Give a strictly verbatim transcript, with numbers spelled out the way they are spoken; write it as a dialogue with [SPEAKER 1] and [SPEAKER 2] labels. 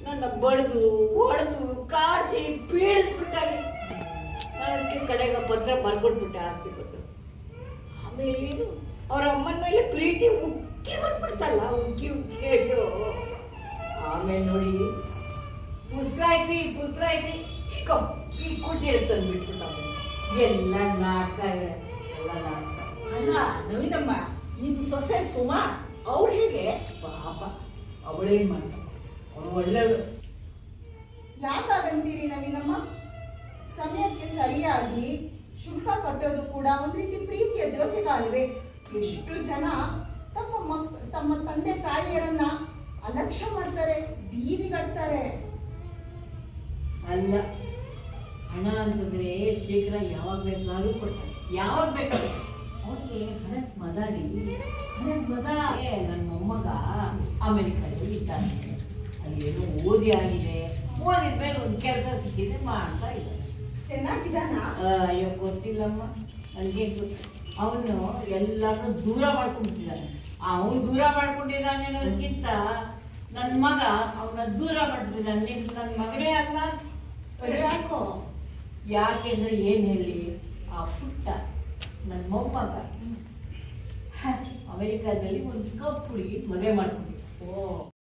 [SPEAKER 1] ನನ್ನ ಬಡ್ದು ಹೊಡೆದು ಕಾಡಿಸಿ ಪೀಡಿಸ್ಬಿಟ್ಟಾನೆ. ನಾನು ಅದಕ್ಕೆ ಕಡೆಗೆ ಪತ್ರ ಬರ್ಕೊಟ್ಬಿಟ್ಟೆ ಆಸ್ತಿ ಪತ್ರ. ಆಮೇಲೆ ಏನು ಅವ್ರ ಅಮ್ಮನ ಮೇಲೆ ಪ್ರೀತಿ ಉಕ್ಕಿ ಬಂದ್ಬಿಡ್ತಲ್ಲ, ಉಕ್ಕಿ ಉಕ್ಕಿ ಅಯ್ಯೋ. ಆಮೇಲೆ ನೋಡಿ ಪುಸ್ತಕಾಯ್ಸಿ ಪುಸ್ತಕಾಯ್ಸಿ ಈಗ ಈ ಕುಟೀರ ತಂದು ಬಿಟ್ಬಿಟ್ಟ. ಎಲ್ಲ ನಾಟಕ ಎಲ್ಲ ನಾಟಕ.
[SPEAKER 2] ಅಲ್ಲ ನವೀನಮ್ಮ, ನಿಮ್ಮ ಸೊಸೆ ಸುಮಾ ಅವ್ರು ಹೇಗೆ?
[SPEAKER 1] ಪಾಪ ಅವಳೇನು ಮಾಡ್ತಾಳೆ, ಅವಳು ಒಳ್ಳೆಯವಳು.
[SPEAKER 3] ಯಾಕಾಗಂತೀರಿ ನವೀನಮ್ಮ? ಸಮಯಕ್ಕೆ ಸರಿಯಾಗಿ ಶುಲ್ಕ ಕಟ್ಟೋದು ಕೂಡ ಒಂದು ರೀತಿ ಪ್ರೀತಿಯ ದ್ಯೋತಕ ಅಲ್ವೇ? ಎಷ್ಟು ಜನ ತಮ್ಮ ಮಕ್ ತಮ್ಮ ತಂದೆ ತಾಯಿಯರನ್ನ ಅಲಕ್ಷ್ಯ ಮಾಡ್ತಾರೆ, ಬೀದಿಗಟ್ತಾರೆ.
[SPEAKER 1] ಅಲ್ಲ, ಹಣ ಅಂತಂದ್ರೆ ಶೀಘ್ರ ಯಾವಾಗ ಬೇಕಾದ್ರೂ ಕೊಡ್ತಾರೆ, ಯಾವಾಗ ಬೇಕಾದ್ರೂ. ಅವ್ರಿಗೆ ಹಣದ ಮದ ರೀ, ಹಣದ ಮದ. ನನ್ನ ಮೊಮ್ಮಗ ಅಮೆರಿಕದಲ್ಲಿ ಇದ್ದಾನೆ, ಅಲ್ಲೇನೋ ಓದಿ ಆಗಿದೆ, ಓದಿದ ಮೇಲೆ ಒಂದು ಕೆಲಸ ಸಿಕ್ಕಿದ್ರೆ ಮಾಡ್ತಾ ಇದ್ದಾನೆ.
[SPEAKER 3] ಚೆನ್ನಾಗಿದ್ದಾನ?
[SPEAKER 1] ಅಯ್ಯೋ ಗೊತ್ತಿಲ್ಲಮ್ಮ, ನನಗೆ ಗೊತ್ತು. ಅವನು ಎಲ್ಲರನ್ನೂ ದೂರ ಮಾಡ್ಕೊಂಡ್ಬಿಟ್ಟಿದ್ದಾನೆ. ಅವನು ದೂರ ಮಾಡ್ಕೊಂಡಿದ್ದಾನೆ ಅನ್ನೋದಕ್ಕಿಂತ ನನ್ನ ಮಗ ಅವನ ದೂರ ಮಾಡ್ತಿದ್ದಾನೆ. ನನ್ನ ಮಗನೇ ಅಲ್ಲ.
[SPEAKER 3] ಯಾಕೋ?
[SPEAKER 1] ಯಾಕೆಂದ್ರೆ ಏನು ಹೇಳಿ, ಆ ಪುಟ್ಟ ನನ್ನ ಮೊಮ್ಮಗ ಅಮೆರಿಕಾದಲ್ಲಿ ಒಂದು ಕಪ್ಪು ಹುಡುಗಿ ಮದುವೆ ಮಾಡ್ಕೊಂಡಿದ್ದ.
[SPEAKER 3] ಓ